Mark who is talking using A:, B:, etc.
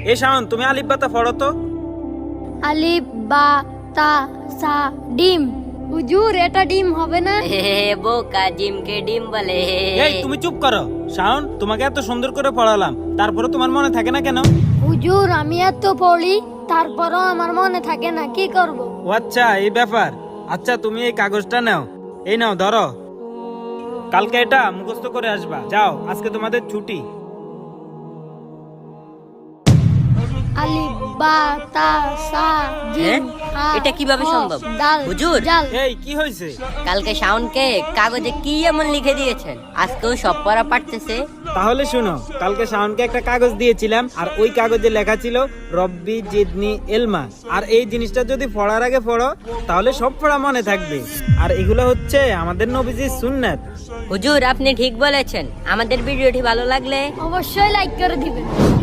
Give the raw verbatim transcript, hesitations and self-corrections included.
A: এ শাওন, তুমি আলিফ বাতা পড়ো তো।
B: আলিফ বা তা সা ডিম। হুজুর এটা ডিম হবে না?
C: হে বোকা, ডিমকে ডিম বলে।
A: এই তুমি চুপ করো। শাওন, তোমাকে এত সুন্দর করে পড়ালাম, তারপরে তোমার মনে থাকে না কেন?
B: হুজুর আমি এত পড়ি তারপরও আমার মনে থাকে না, কি করব?
A: ও আচ্ছা, এই ব্যাপার। আচ্ছা তুমি এই কাগজটা নাও, এই নাও ধরো। কালকে এটা মুখস্থ করে আসবা। যাও, আজকে তোমাদের ছুটি।
B: আলিফ বা তা সা জিম হা
C: এটা কিভাবে
B: হ,
C: সম্ভব?
B: দাল
C: হুজুর।
B: জাল।
A: এই কি হয়েছে?
C: কালকে শাওনকে কাগজে কি এমন লিখে দিয়েছেন, আজকেও সব পড়া পারতেছে।
A: তাহলে শুনো, কালকে শাওনকে একটা কাগজ দিয়েছিলাম, আর ওই কাগজে লেখা ছিল রব্বি জিদনি এলমা। আর এই জিনিসটা যদি পড়ার আগে পড়ো তাহলে সব পড়া মনে থাকবে। আর এগুলো হচ্ছে আমাদের নবীজির সুন্নাত।
C: হুজুর আপনি ঠিক বলেছেন। আমাদের ভিডিওটি ভালো লাগলে
B: অবশ্যই লাইক করে দিবেন।